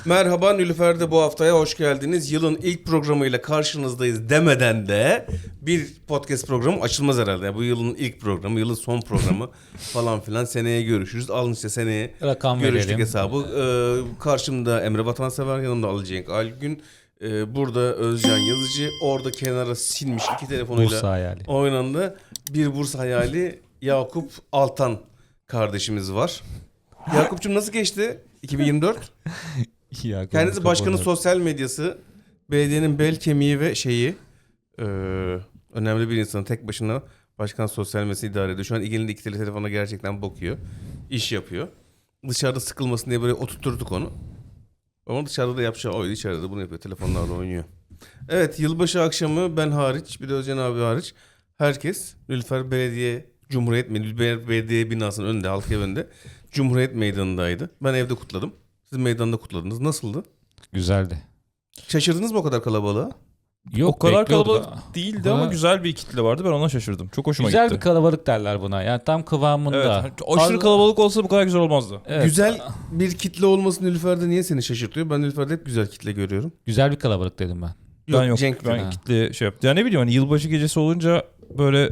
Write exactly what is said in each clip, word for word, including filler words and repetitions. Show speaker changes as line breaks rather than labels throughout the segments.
Merhaba Nilüfer'de bu haftaya hoş geldiniz. Yılın ilk programıyla karşınızdayız demeden de bir podcast programı açılmaz herhalde. Yani bu yılın ilk programı, yılın son programı falan filan. Seneye görüşürüz. Alın işte seneye
Rakam
görüştük
verelim.
hesabı. Ee, karşımda Emre Vatansever, yanımda Ali Cenk Algün. Ee, burada Özcan Yazıcı. Orada kenara silmiş iki telefonuyla
Bursa hayali.
oynandı. Bir Bursa hayali Yakup Altan kardeşimiz var. Yakup'cum nasıl geçti iki bin yirmi dört?
Ya,
Kendisi başkanın sosyal medyası, belediyenin bel kemiği ve şeyi, e, önemli bir insanın tek başına başkan sosyal medyasını idare ediyor. Şu an elinde iki tele telefona gerçekten bakıyor, iş yapıyor. Dışarıda sıkılmasın diye böyle oturturduk onu. Ama dışarıda da yapacağı oydu, içeride de bunu yapıyor, telefonlarla oynuyor. Evet, yılbaşı akşamı ben hariç, bir de Özcan abi hariç, herkes Nilüfer Belediye Cumhuriyet Nilüfer Belediye binasının önünde, halk evinde Cumhuriyet Meydanı'ndaydı. Ben evde kutladım. Siz meydanda kutladınız. Nasıldı?
Güzeldi.
Şaşırdınız mı o kadar kalabalığa?
Yok,
O kadar
bekliyorduk.
kalabalık değildi ama
Buna-
güzel bir kitle vardı. Ben ona şaşırdım. Çok hoşuma
Güzel
gitti.
bir kalabalık derler buna. Yani tam kıvamında.
Evet. Aşırı kalabalık olsa bu kadar güzel olmazdı.
Evet.
Güzel bir kitle olması Nilüfer'de niye seni şaşırtıyor? Ben Nilüfer'de hep güzel kitle görüyorum.
Güzel bir kalabalık dedim ben.
ben yok.
Cenk
ben
dedi.
Ha.
kitle şey yaptı. Ya ne bileyim hani yılbaşı gecesi olunca böyle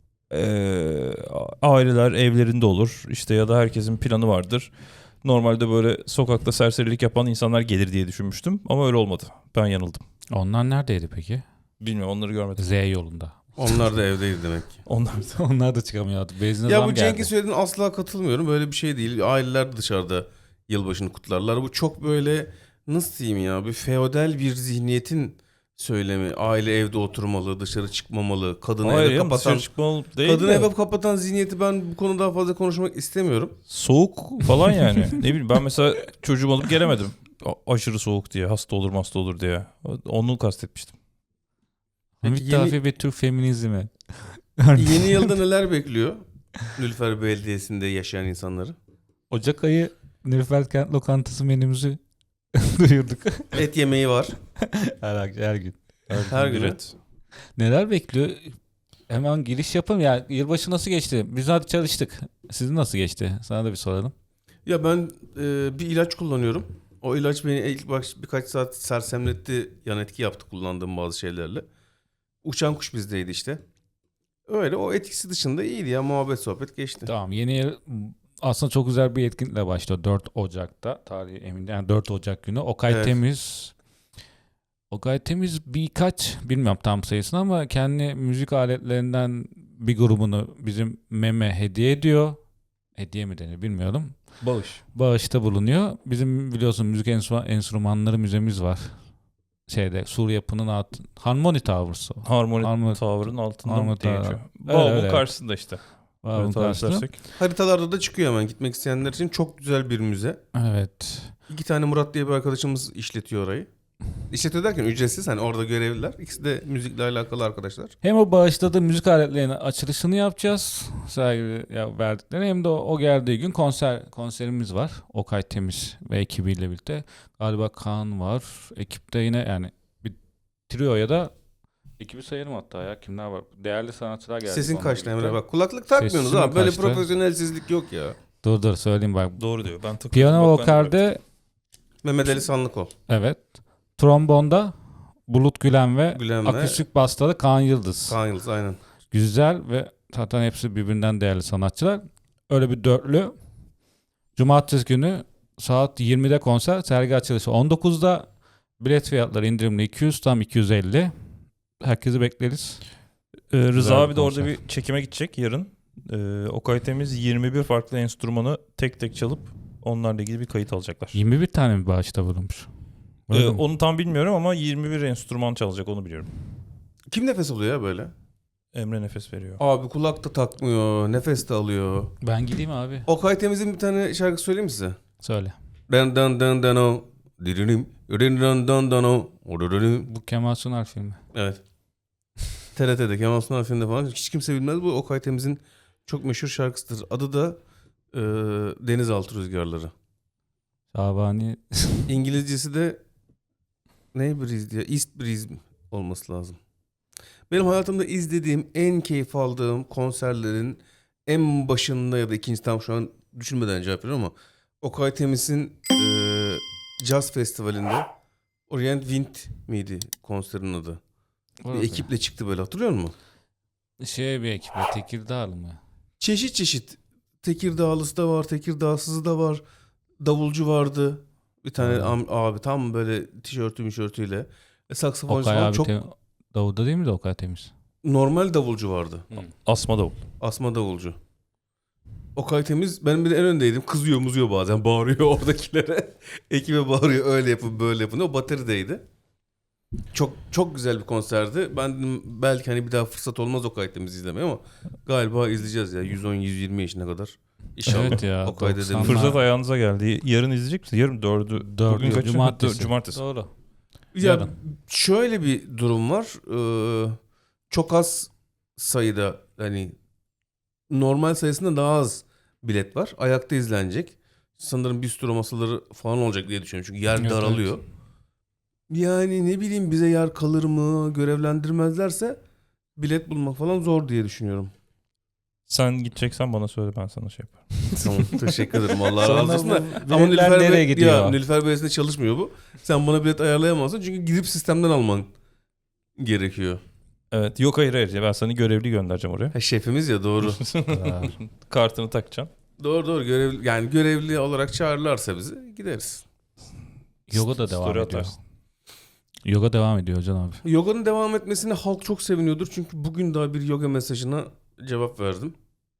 eee, aileler evlerinde olur. İşte ya da herkesin planı vardır. Normalde böyle sokakta serserilik yapan insanlar gelir diye düşünmüştüm. Ama öyle olmadı. Ben yanıldım.
Onlar neredeydi peki?
Bilmiyorum, onları görmedim.
Z yolunda.
Onlar da evdeydi demek ki.
Onlar
Onlar da çıkamıyordu. Benzine
Ya
zam
bu
geldi.
Cenk'in söylediğine asla katılmıyorum. Böyle bir şey değil. Aileler de dışarıda yılbaşını kutlarlar. Bu çok böyle, nasıl diyeyim ya, bir feodal bir zihniyetin söylemi. Aile evde oturmalı, dışarı çıkmamalı, kadını
Hayır
eve
ya,
kapatan...
dışarı çıkmalı değil
Kadını
de.
eve kapatan zihniyeti ben bu konuda daha fazla konuşmak istemiyorum.
Soğuk falan yani. Ne bileyim, ben mesela çocuğumu alıp gelemedim. A- aşırı soğuk diye, hasta olur hasta olur diye. Onu kastetmiştim.
Hamit
Peki
Dafi ve Türk feminizmi.
Yeni yılda neler bekliyor Nilüfer Belediyesi'nde yaşayan insanları?
Ocak ayı Nilüfer Kent Lokantası menümüzü duyurduk.
Et yemeği var.
her, her gün.
Her gün.
Evet.
Neler bekliyor? Hemen giriş yapalım. Ya yılbaşı nasıl geçti? Biz hadi çalıştık. Sizin nasıl geçti? Sana da bir soralım.
Ya ben e, bir ilaç kullanıyorum. O ilaç beni ilk baş birkaç saat sersemletti. Yan etki yaptı kullandığım bazı şeylerle. Uçan kuş bizdeydi işte. Öyle, o etkisi dışında iyiydi ya, muhabbet sohbet geçti.
Tamam, yeni yıl aslında çok güzel bir etkinlikle başlıyor. dört Ocak'ta tarihi emin değilim. Yani dört Ocak günü Okay
Evet.
Temiz Okay Temiz birkaç, bilmiyorum tam sayısını, ama kendi müzik aletlerinden bir grubunu bizim Meme hediye ediyor. Hediye mi denir bilmiyorum.
Bağış.
Bağışta bulunuyor. Bizim biliyorsun müzik enstrüman- enstrümanları müzemiz var. Şeyde Sur Yapı'nın alt Harmony Towers.
Harmoni
Harmoni-
Tower'ın altında
Harmoni
mı diye
Tower.
geçiyor.
Öyle,
Bağımın
öyle.
karşısında işte.
Var
Evet,
bunun karşısında.
dersek.
Haritalarda da çıkıyor hemen gitmek isteyenler için. Çok güzel bir müze.
Evet.
İki tane Murat diye bir arkadaşımız işletiyor orayı. İşletiyor derken ücretsiz, hani orada görevliler. İkisi de müzikle alakalı arkadaşlar.
Hem o bağışta da müzik aletlerinin açılışını yapacağız. Sergi ya verdikleri, hem de o, o geldiği gün konser konserimiz var. Okay Temiz ve ekibiyle birlikte. Galiba Kaan var. Ekipte yine yani bir trio ya da ekibi sayarım hatta ya. Kimler var? Değerli sanatçılar geldi.
Sesin
onunla
kaçtı Emre,
birlikte.
bak kulaklık takmıyorsunuz
Sesim
abi. Böyle
kaçtı.
profesyonelsizlik yok ya.
Dur dur söyleyeyim bak.
Doğru diyor. Ben tık.
Piyano
Bak, ben de
vokalde
Mehmet Ali Sanlıkol.
evet. Trombonda Bulut Gülen ve
Gülen ve
akustik basta da Kaan Yıldız.
Kaan Yıldız, aynen.
Güzel ve zaten hepsi birbirinden değerli sanatçılar. Öyle bir dörtlü. Cumartesi günü saat yirmide konser, sergi açılışı on dokuzda. Bilet fiyatları indirimli iki yüz, tam iki yüz elli. Herkesi bekleriz.
Ee, Rıza
Güzel
abi
bir
de orada
konser.
bir çekime gidecek yarın. Ee, Okay Temiz yirmi bir farklı enstrümanı tek tek çalıp onlarla ilgili bir kayıt alacaklar.
yirmi bir tane mi bağışta bulunmuş?
Ee,
Öyle mi?
onu tam bilmiyorum ama yirmi bir enstrüman çalacak, onu biliyorum.
Kim nefes alıyor ya böyle?
Emre nefes veriyor.
Abi kulak da takmıyor, nefes de alıyor.
Ben gideyim abi.
Okay Temiz'in bir tane şarkı söyleyeyim mi size?
Söyle.
Dan dan dan dan o. Diririm. Diririm dan dan dan o. Oduririm.
Bu Kemal Sunal filmi.
Evet. T R T'de, Kemal Sunal filminde falan. Hiç kimse bilmez, bu Okay Temiz'in çok meşhur şarkısıdır. Adı da e, Denizaltı Rüzgarları.
Şabani.
İngilizcesi de ne breeze diye, East Breeze olması lazım. Benim hayatımda izlediğim, en keyif aldığım konserlerin en başında ya da ikinci, tam şu an düşünmeden cevap veriyorum ama Okay Temiz'in e, Jazz Festivali'nde Orient Wind miydi konserin adı? Bir
Orası.
ekiple çıktı böyle, hatırlıyor musun?
Şey bir ekiple Tekirdağlı mı?
Çeşit çeşit. Tekirdağlısı da var, Tekirdağsızı da var. Davulcu vardı. Bir tane
Hmm.
am- abi tam böyle tişörtü mişörtüyle. E, saksafoncu
Okay
falan
abi
çok
tem- Davud'da değil mi de Okay Temiz?
normal davulcu vardı.
Asma davul.
Asma davulcu. Okay Temiz, ben bir de en öndeydim. Kızıyor muzuyor bazen. Bağırıyor oradakilere. Ekibe bağırıyor. Öyle yapın böyle yapın. O baterideydi. Çok çok güzel bir konserdi. Ben dedim, belki hani bir daha fırsat olmaz Okay Temiz izlemeye ama galiba izleyeceğiz ya. yüz on yüz yirmi yaşına kadar. İnşallah.
Evet ya,
Okay dedim.
doksanlar.
Fırsat ayağınıza geldi. Yarın izleyecek misin? Yarın dördü.
Dördü,
Bugün kaçı?
cumartesi.
Dö- Cumartesi.
Doğru.
Ya
Yarın.
şöyle bir durum var. Ee, çok az sayıda, hani normal sayısında daha az bilet var. Ayakta izlenecek. Sanırım bistro masaları falan olacak diye düşünüyorum. Çünkü yer
Evet,
daralıyor. Yani ne bileyim, bize yer kalır mı, görevlendirmezlerse bilet bulmak falan zor diye düşünüyorum.
Sen gideceksen bana söyle, ben sana şey yaparım.
Tamam, teşekkür ederim. Allah razı
Sonra
olsun da.
bu
Ama
biletler
Nilüfer,
nereye
Bey,
gidiyor?
ya, Nilüfer Belediyesi'nde çalışmıyor bu. Sen bana bilet ayarlayamazsın çünkü gidip sistemden alman gerekiyor.
Evet. Yok hayır hayır. Ben sana görevli göndereceğim oraya.
Ha, şefimiz ya, doğru.
Ha.
Kartını takacaksın.
Doğru doğru, görevli, yani görevli olarak çağırırlarsa bizi gideriz.
Yoga da devam
Story
ediyor.
atarsın.
Yoga devam ediyor Can abi.
Yoga'nın devam etmesine halk çok seviniyordur. Çünkü bugün daha bir yoga mesajına cevap verdim.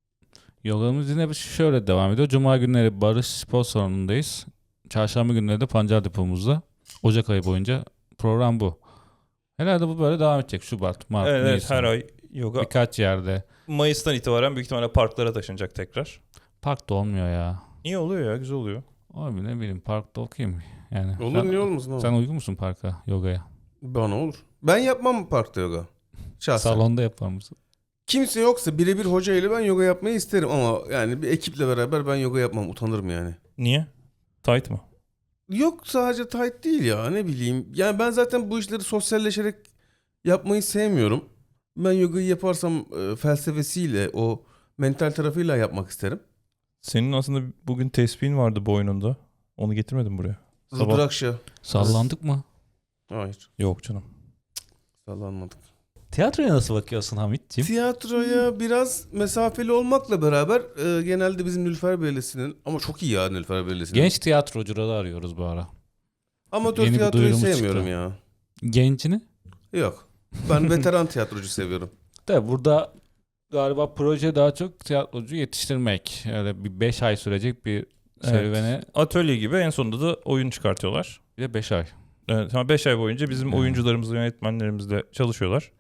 Yogamız yine şöyle devam ediyor. Cuma günleri Barış Spor Salonu'ndayız. Çarşamba günleri de Pancar Depomuzda. Ocak ayı boyunca program bu. Herhalde bu böyle devam edecek. Şubat, Mart,
Evet, evet
Nisan.
her ay yoga.
Birkaç yerde.
Mayıs'tan itibaren büyük ihtimalle parklara taşınacak tekrar.
Parkta olmuyor ya.
İyi oluyor ya, güzel oluyor.
Abi ne bileyim, parkta okuyayım. Yani
Olur,
sen,
niye olmasın abi?
sen uygun musun parka, yogaya?
Bana olur. Ben yapmam parkta yoga. Şahsen.
Salonda yapar mısın?
Kimse yoksa birebir hoca ile ben yoga yapmayı isterim ama yani bir ekiple beraber ben yoga yapmam, utanırım yani.
Niye? Tight mı?
Yok, sadece tight değil ya, ne bileyim. Yani ben zaten bu işleri sosyalleşerek yapmayı sevmiyorum. Ben yogayı yaparsam e, felsefesiyle, o mental tarafıyla yapmak isterim.
Senin aslında bugün tespihin vardı boynunda. Onu getirmedin buraya. Sabah-
Rudrakşa.
Sallandık mı?
Hayır,
Yok canım.
sallanmadık.
Tiyatroya nasıl bakıyorsun Hamit'ciğim?
Tiyatroya biraz mesafeli olmakla beraber e, genelde bizim Nilüfer Belediyesi'nin, ama çok iyi ya Nilüfer Belediyesi'nin.
Genç tiyatrocuları arıyoruz bu ara.
Amatör
yeni bir
tiyatroyu
duyurumuz
sevmiyorum
çıktı.
ya.
Gencini?
Yok. Ben veteran tiyatrocu seviyorum.
De burada galiba proje daha çok tiyatrocu yetiştirmek. Öyle bir beş ay sürecek bir serüvene.
Atölye gibi, en sonunda da oyun çıkartıyorlar.
Bir de beş ay.
Evet, beş ay boyunca bizim
Hmm.
oyuncularımızla, yönetmenlerimizle çalışıyorlar.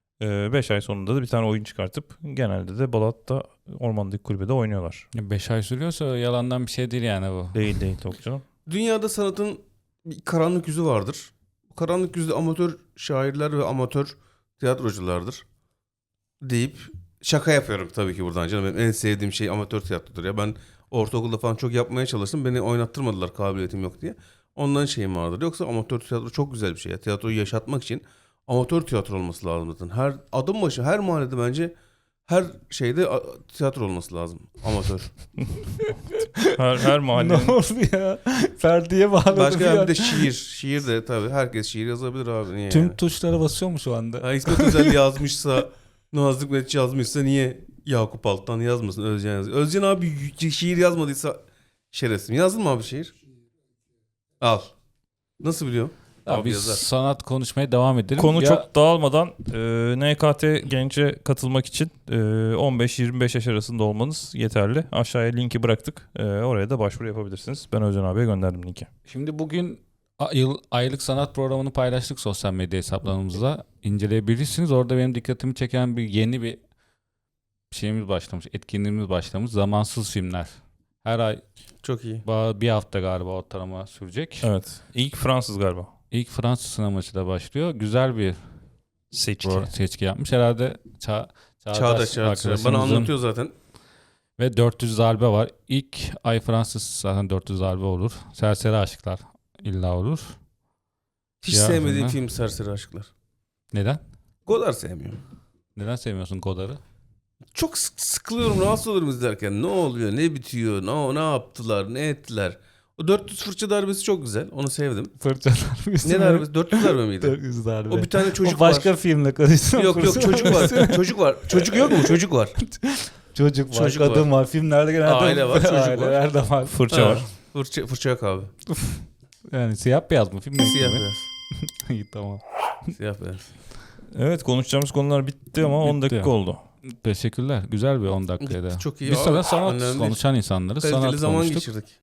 beş ay sonunda da bir tane oyun çıkartıp genelde de Balat'ta Ormanlık Kulübe'de oynuyorlar.
beş ay sürüyorsa yalandan bir şey değil yani bu.
Değil değil yok canım.
Dünyada sanatın bir karanlık yüzü vardır. Bu karanlık yüzü amatör şairler ve amatör tiyatroculardır deyip şaka yapıyorum tabii ki buradan canım. Benim en sevdiğim şey amatör tiyatrodur ya. Ben ortaokulda falan çok yapmaya çalıştım. Beni oynattırmadılar, kabiliyetim yok diye. Ondan şeyim vardır. Yoksa amatör tiyatro çok güzel bir şey ya. Tiyatroyu yaşatmak için amatör tiyatro olması lazım zaten. Her adım başı, her mahallede bence her şeyde a- tiyatro olması lazım. Amatör.
Her, her mahallenin
Ne oldu ya? Ferdi'ye bağladı.
Başka bir de şiir. Şiir de tabii herkes şiir yazabilir abi. Niye
Tüm
yani?
tuşlara basıyor mu şu anda?
Ha, İsmet Özel yazmışsa, Nazım Hikmet yazmışsa niye Yakup Altan yazmasın, Özcan yazıyor. Özcan abi y- şiir yazmadıysa şerefsiz. Yazdın mı abi şiir? Al. Nasıl biliyorum?
Abi
Abi
biz
yazar.
sanat konuşmaya devam edelim.
konu
Ya-
çok dağılmadan e, N K T Genç'e katılmak için e, on beş yirmi beş yaş arasında olmanız yeterli. Aşağıya linki bıraktık. E, oraya da başvuru yapabilirsiniz. Ben Özcan abiye gönderdim linki.
Şimdi bugün a- yıl, aylık sanat programını paylaştık sosyal medya hesaplarımızda. İnceleyebilirsiniz. Orada benim dikkatimi çeken bir yeni bir şeyimiz başlamış. Etkinliğimiz başlamış. Zamansız filmler. Her ay
Çok iyi.
ba- bir hafta galiba ortalama sürecek.
Evet. İlk Fransız galiba.
İlk Fransız sineması da başlıyor. Güzel bir
Seçki.
pro- seçki yapmış. Herhalde ça Çağdaş,
Çağdaş Çağdaş. Bana
arkadaşımızın
anlatıyor zaten.
ve dört yüz darbe var. İlk ay Fransız zaten dört yüz darbe olur. Serseri Aşıklar illa olur.
Hiç
Ya,
sevmediğim
filmler.
film Serseri Aşklar.
Neden?
Godard sevmiyorum.
Neden sevmiyorsun Godard'ı?
Çok sık- sıkılıyorum, rahatsız olurum izlerken. Ne oluyor, ne bitiyor, ne, ne yaptılar, ne ettiler. O dört yüz fırça darbesi çok güzel. Onu sevdim.
Fırça darbesi.
Ne darbesi? dört yüz darbe miydi?
dört yüz darbe.
O bir tane çocuk
o başka
var.
filmle karıştırma.
Yok yok çocuk var. Çocuk var. Çocuk yok mu? Çocuk var.
Çocuk var,
Çocuk
kadın var. Filmlerde genelde
Aile var, çocuk var.
aileler de var.
Fırça
Ha.
var.
Fırça, fırça yok abi.
Yani siyah beyaz mı? Film ne?
Siyah beyaz.
İyi tamam.
Siyah beyaz.
Evet, konuşacağımız konular bitti ama on
Bitti.
dakika oldu.
Teşekkürler. Güzel bir on dakikaydı.
Çok iyi.
Biz
Abi,
sana sanat
önemli.
konuşan insanlarız.
Kaliteli
Sanat
zaman
konuştuk.
geçirdik.